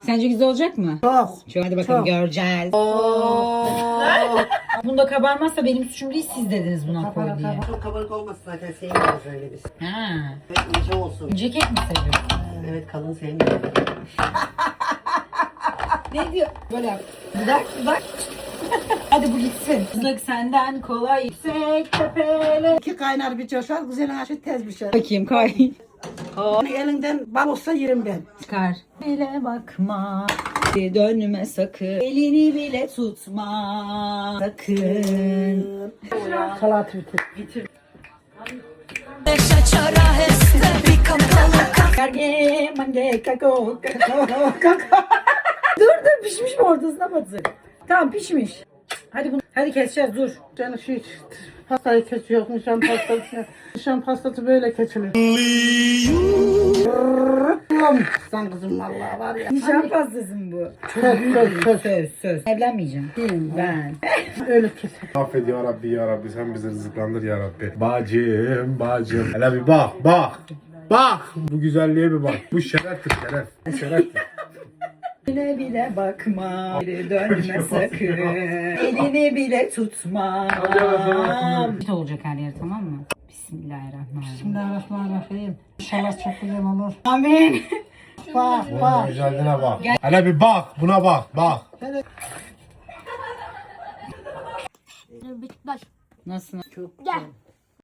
Sence güzel olacak mı? Çok. Hadi bakalım Çok. göreceğiz. Bunda kabarmazsa benim suçum değil, siz dediniz buna koy diye. Çok kabarık olmasın zaten sevmiyoruz öyle biz. Ha. Evet, ince olsun. Ceket mi seviyorsun? Evet kalın sevmiyoruz. Ne diyor? Böyle yap. Dudak. Hadi bu gitsin. Kızlık senden kolay yüksek tepele. İki kaynar bir coşar, güzel aşı tez bir şey. Bakayım koy. Yani elinden bal olsa yerim ben. Çıkar. Bile bakma. Dönme sakın. Elini bile tutma. Sakın. Salat bitir. Dur pişmiş mi, ortasına batır. Tamam pişmiş. Hadi keseceğiz, dur. Yani pastayı kesiyor, nişan pastası. Nişan pastası böyle kesilir. Sen kızım vallahi var ya. Nişan pastası mı bu? Söz. Evlenmeyeceğim. Ben. Öyle keser. Affet ya Rabbi ya Rabbi, sen bizi rızıklandır ya Rabbi. Bacım. Hele bir bak. Bu güzelliğe bir bak. Bu şereftir şereftir. Bile bakma. Geri dönme sakın. Elini bile tutma. Ne olacak her yer, tamam mı? Bismillahirrahmanirrahim. Bismillahirrahmanirrahim. İnşallah çok güzel olur. Amin. Bak. Bunun güzelliğine bak. Hele bir bak, buna bak. Nasıl? Çok güzel.